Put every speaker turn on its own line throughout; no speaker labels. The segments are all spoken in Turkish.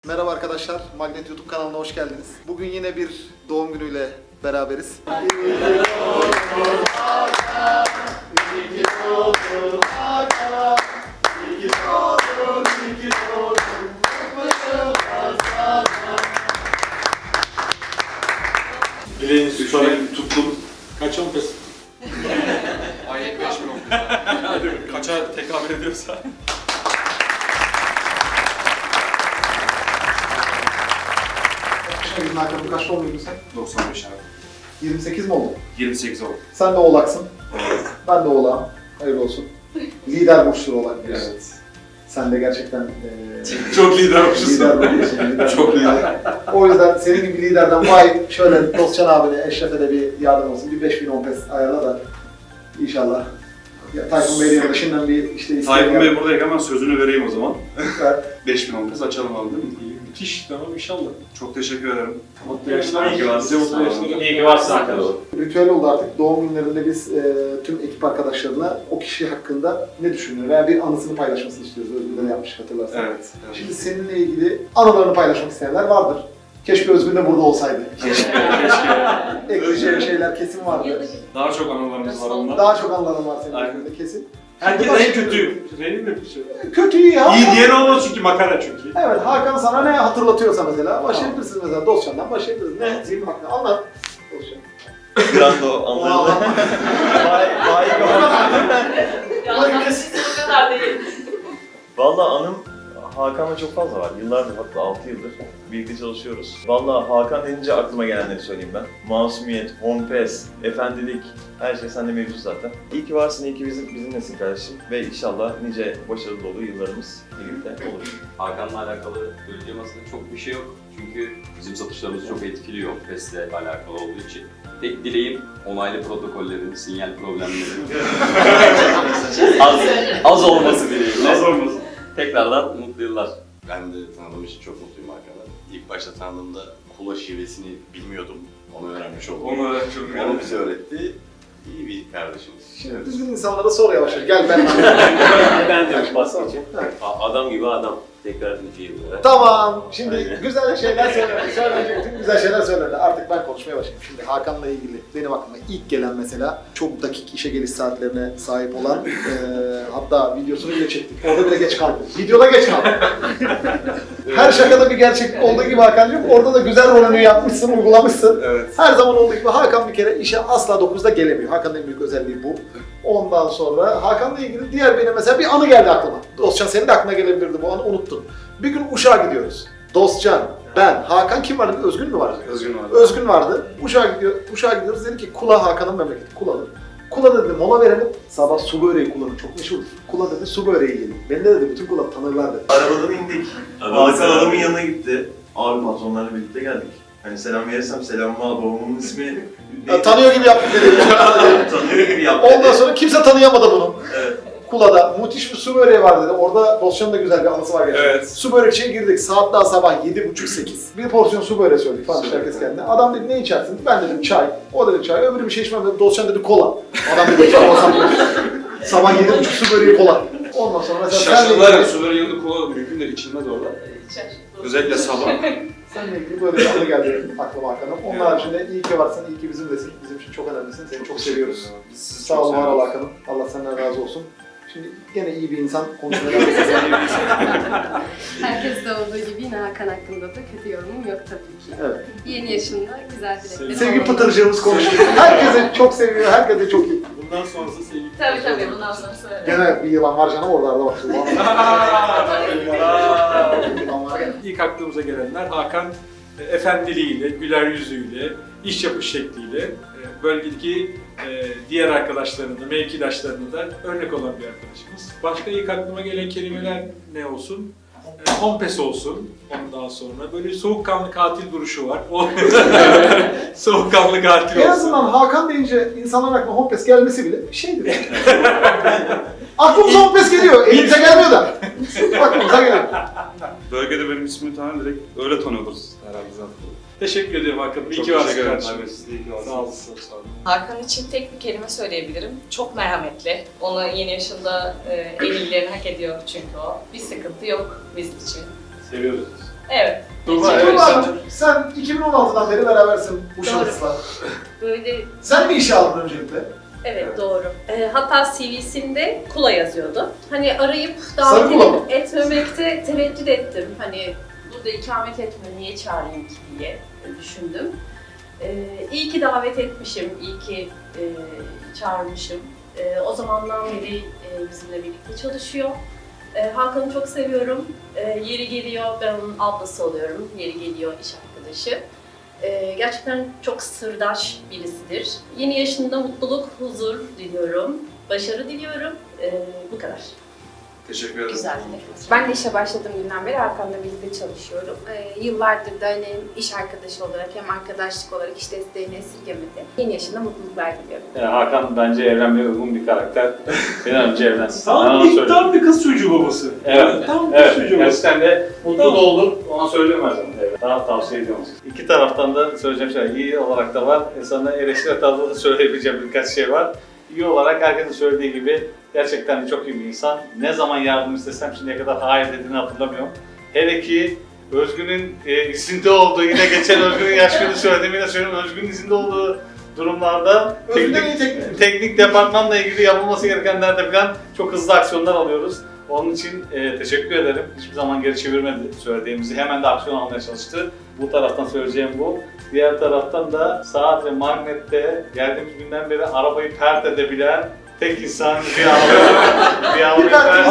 Merhaba arkadaşlar, Magnet YouTube kanalına hoş geldiniz. Bugün yine bir doğum günüyle beraberiz.
Bileğini tutarak tuttum. Kaç 10 pes?
Ayet 5 mi oldu?
Kaça tekabül ediyorsa.
Şimdi Hakan'ın kaç doğumluydun sen?
95 abi.
28 mi oldun?
28 oldu.
Sen de oğlaksın. Ben de oğlağım. Hayırlı olsun. Lider burçlu oğlak.
Evet.
Sen de gerçekten
Çok lidermişsin.
lider burçlusun.
Çok lider.
O yüzden senin gibi liderden vay şöyle Dostcan abine, Eşref'e de bir yardım olsun. Bir 5010 pes ayarla da inşallah. Ya, Tayfun Bey'le de şimdiden bir işte
Tayfun Bey buradayken hemen sözünü vereyim o zaman.
Evet.
5000 olmaz açalım abi değil mi?
Müthiş, tamam inşallah.
Çok teşekkür ederim.
Mutlu yaşlar.
İyi ki varsın.
Bize mutlu yaşlar.
İyi ki varsın arkadaşlar.
Ritüel oldu artık. Doğum günlerinde biz tüm ekip arkadaşlarına o kişi hakkında ne düşünüyor veya bir anısını paylaşmasını istiyoruz. Özgür'den yapmış hatırlarsan.
Evet.
Şimdi seninle ilgili anılarını paylaşmak isteyenler vardır. Keşke Özgür de burada olsaydı.
Keşke.
Ekleyeceği şeyler kesin vardı.
Daha çok anılarımız var ondan.
Daha çok anıların var senin
Aynen.
Özgür'de kesin.
Herkes
Şimdi
en kötü. Benim mi bir şey?
Kötü iyi ya.
İyi diyen olmaz çünkü makara çünkü.
Evet, Hakan sana ne hatırlatıyorsa mesela başlayabilirsiniz mesela Dostcan'dan başlayabiliriz. Ne? Zihin bak anlat. Dostcan.
Grando anlarını. Vay
Ya siz o kadar değil.
Valla anım Hakan'la çok fazla var. Yıllardır, hatta 6 yıldır birlikte çalışıyoruz. Valla Hakan denince aklıma gelenleri söyleyeyim ben. Masumiyet, hompes, efendilik, her şey sende mevcut zaten. İyi ki varsın, iyi ki bizimlesin kardeşim. Ve inşallah nice başarılı dolu yıllarımız birlikte olur.
Hakan'la alakalı söyleyeceğim aslında çok bir şey yok. Çünkü bizim satışlarımızı çok etkiliyor PES'le alakalı olduğu için. Tek dileğim onaylı protokollerin, sinyal problemlerinin az olması dileğimle.
Az olmasın.
Tekrardan mutlu yıllar.
Ben de tanıdığım için çok mutluyum Hakan'la. İlk başta tanıdığımda kula şivesini bilmiyordum. Onu öğrenmiş oldum.
Onu çok
Onu bize öğretti. İyi bir kardeşimiz.
Şimdi düzgün insanlara sor yavaş yavaş. Gel ben.
Ben de bahsedeceğim.
Evet.
Adam gibi adam. Tekrar nice yıllara.
Tamam. Şimdi güzel şeyler söylendi. Söyleyecek tüm güzel şeyler söyledi. Artık ben konuşmaya başlayayım. Şimdi Hakan'la ilgili benim aklıma ilk gelen mesela çok dakik işe geliş saatlerine sahip olan hatta videosunu bile çektik. Orada bile geç kaldım. Videoda geç kaldım. Her şakada bir gerçeklik olduğu gibi Hakan'cığım orada da güzel rolünü yapmışsın, uygulamışsın.
Evet.
Her zaman olduğu gibi Hakan bir kere işe asla 9'da gelemiyor. Hakan'ın en büyük özelliği bu. Ondan sonra Hakan'la ilgili diğer benim mesela bir anı geldi aklıma. Dostcan senin de aklına gelebilirdi bu anı unuttun. Bir gün Uşak'a gidiyoruz. Dostcan, ben, Hakan kim vardı? Özgün mü vardı?
Özgün vardı.
Özgün vardı. Uşak'a gidiyoruz. Dedi ki Kula Hakan'ın memleketi. Kulalı. Kula dedi mola verelim. Sabah su böreği Kula'nın çok meşhurdur. Kula dedi su böreği yiyelim. Beni de dedi bütün Kula tanırlar dedi.
Arabadan indik. Hakan adamın yanına gitti. Abi patronlarla birlikte geldik. Hani selam verirsem selamımı al, babamın ismi...
Tanıyor gibi yaptı dedi.
Tanıyor gibi yaptı.
Ondan sonra kimse tanıyamadı bunu.
Evet.
Kula'da müthiş bir su böreği var dedi. Orada Dostcan'ın da güzel bir anısı var gerçekten.
Evet.
Su börekçiye girdik. Saat daha sabah 7.30-8. Bir porsiyon su böreği söyledik falan işte herkes kendine. Adam dedi ne içersin? Ben dedim çay. O dedi çay. Öbürü bir şey içmem dedi. Dostcan dedi kola. Adam dedi çay olsam dedi. Sabah 7.30 su böreği kola. Ondan sonra mesela
Şaşırdılar ya, suların yanında kola mümkün de içilmez orada.
Şaşırdım.
Özellikle sabah.
seninle ilgili böyle bir anı geldi aklıma Hakan'ım. Onun haricinde iyi ki varsın, iyi ki bizimlesin. Bizim için çok önemlisin. Seni çok seviyoruz.
Sizi
Sağ
çok
ol, var ol
seviyoruz.
Hakan'ım. Allah senden razı olsun. Şimdi gene iyi bir insan konuşmaya devam edeceğiz.
Herkes de olduğu gibi yine Hakan hakkında da kötü yorumum yok tabii ki.
Evet.
Yeni yaşında güzel dileklerim
Sevgi
olmalı.
pıtırcığımız konuşuyor. Herkesi çok seviyor, herkese çok iyi.
Bundan sonrası sevgi.
Tabii bundan sonra söyle.
Gene bir yılan var canım oralarda bak. Yılan var gene.
İlk aklımıza gelenler Hakan efendiliğiyle, güler yüzüyle, iş yapış şekliyle bölgedeki diğer arkadaşlarına da, mevkidaşlarına da örnek olan bir arkadaşımız. Başka ilk aklıma gelen kelimeler ne olsun? Hompes olsun ondan sonra. Böyle soğukkanlı katil duruşu var. O soğukkanlı katil
En
olsun.
azından Hakan deyince insanların aklına Hompes gelmesi bile bir şeydir. Aklımıza Hompes geliyor, elimize gelmiyor da. Aklımıza geliyor.
Bölgede benim ismimi direkt öyle tanıyoruz herhalde zaten.
Teşekkür ediyorum Hakan. İyi
Çok
ki varsın
teşekkür ederim.
kardeşim.
Evet, siz de iyi ki varsınız.
Sağ olasın. Sağ olun.
Hakan için tek bir kelime söyleyebilirim. Çok merhametli. Onu yeni yaşında en iyilerini hak ediyor çünkü o. Bir sıkıntı yok bizim için.
Seviyoruz.
Evet.
Tuğba,
Evet.
evet.
Tuğba'cığım sen 2016'dan beri berabersin bu
Doğru.
şahısla.
Böyle
Sen mi işe aldın öncelikle?
evet doğru. Hatta CV'sinde Kula yazıyordu. Hani arayıp
Sarı
davet
Kula mı?
etmemekte tereddüt ettim. Hani burada ikamet etmiyor, niye çağırayım ki diye düşündüm. İyi ki davet etmişim, iyi ki çağırmışım. O zamandan beri bizimle birlikte çalışıyor. Hakan'ı çok seviyorum. Yeri geliyor ben onun ablası oluyorum, yeri geliyor iş arkadaşı. Gerçekten çok sırdaş birisidir. Yeni yaşında mutluluk, huzur diliyorum. Başarı diliyorum. Bu kadar.
Teşekkür ederim.
Güzel.
Ben de işe başladığım günden beri Hakan'la birlikte çalışıyorum. Yıllardır da hani iş arkadaşı olarak hem arkadaşlık olarak iş desteğini esirgemedi. Yeni yaşında mutluluklar diliyorum.
Hakan bence evlenmeye uygun bir karakter. Bir an önce evlensin. Ben
Tam
ona
bir,
söyleyeyim.
tam bir kız çocuğu babası.
Evet.
Tam bir
Evet,
kız çocuğu babası.
gerçekten de mutlu
Tamam.
da olur. Ona söylüyorum her zaman. Evet. Daha tavsiye ediyorum. İki taraftan da söyleyeceğim şey iyi olarak da var. Sana eleştiri tarzında da söyleyebileceğim birkaç şey var. İyi olarak herkesin söylediği gibi gerçekten de çok iyi bir insan. Ne zaman yardım istesem şimdiye kadar hayır dediğini hatırlamıyorum. Hele ki Özgün'ün izinde olduğu, yine geçen Özgün'ün yaş günü söylediğimi yine söylüyorum. Özgün'ün izinde olduğu durumlarda
Özgün'den iyi teknik.
teknik departmanla ilgili yapılması gerekenlerde falan çok hızlı aksiyonlar alıyoruz. Onun için teşekkür ederim. Hiçbir zaman geri çevirmedi söylediğimizi. Hemen de aksiyon almaya çalıştı. Bu taraftan söyleyeceğim bu. Diğer taraftan da saat ve magnette geldiğimiz günden beri arabayı pert edebilen tek insan bir arabayı pert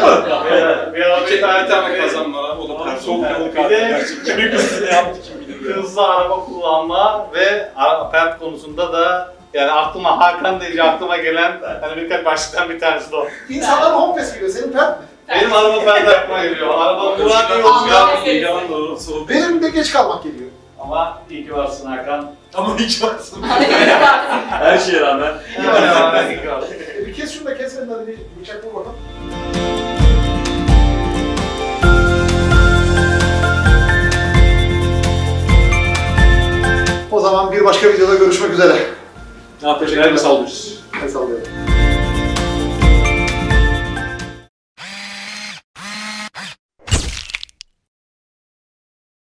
bir arabayı pert etmek.
kazanmalar olur.
Bir de
Kimin kızını yaptı kim bilir.
hızlı araba kullanma ve pert konusunda da yani aklıma Hakan deyince aklıma gelen hani birkaç başlıktan bir tanesi de o.
İnsanların home pass geliyor, senin pert mi?
Benim araba pert aklıma geliyor. Araba Murat yolcu
Aa,
Yalan doğru soğuk.
Benim de geç kalmak geliyor.
ama iyi ki varsın Hakan.
Ama hiç varsın.
Harika.
Her şeye rağmen.
İyi ki varsın.
Bir kes şunu da kes senin hadi bir bıçak vur bakalım. O zaman bir başka videoda görüşmek üzere.
Ne yapacağız? Sallıyoruz.
El sallıyorum.